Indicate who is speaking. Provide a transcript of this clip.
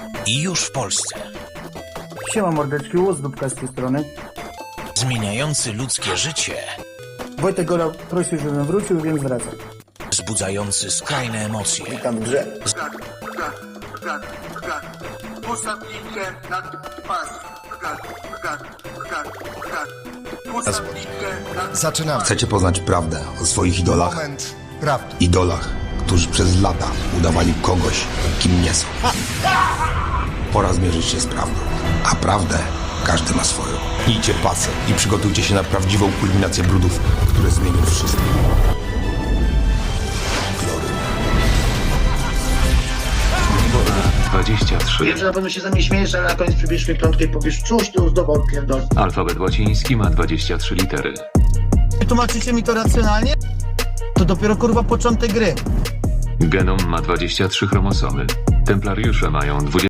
Speaker 1: I już w Polsce.
Speaker 2: Siema mordeczki, Łozdóbka z tej strony.
Speaker 1: Zmieniający ludzkie życie.
Speaker 2: Wojtek Gola prosił, żebym wrócił, więc wracam.
Speaker 1: Wzbudzający skrajne emocje.
Speaker 2: Witam w grze.
Speaker 3: Postaw linkę na pas. Postaw linkę na...
Speaker 4: Zaczynamy.
Speaker 5: Chcecie poznać prawdę o swoich idolach?
Speaker 4: Moment prawdy.
Speaker 5: Idolach, którzy przez lata udawali kogoś, kim nie są. Pora zmierzyć się z prawdą. A prawdę każdy ma swoją. Idźcie pasy i przygotujcie się na prawdziwą kulminację brudów, które zmienią wszystko. Glory.
Speaker 6: 23.
Speaker 7: Wiem, że na pewno się ze mnie śmiejesz, ale na koniec przybierzesz mi piątkę i powiesz, czuć tu zdobył pierdol.
Speaker 6: Alfabet łaciński ma 23 litery.
Speaker 2: Tłumaczycie mi to racjonalnie? To dopiero kurwa początek gry.
Speaker 6: Genom ma 23 chromosomy. Templariusze mają 20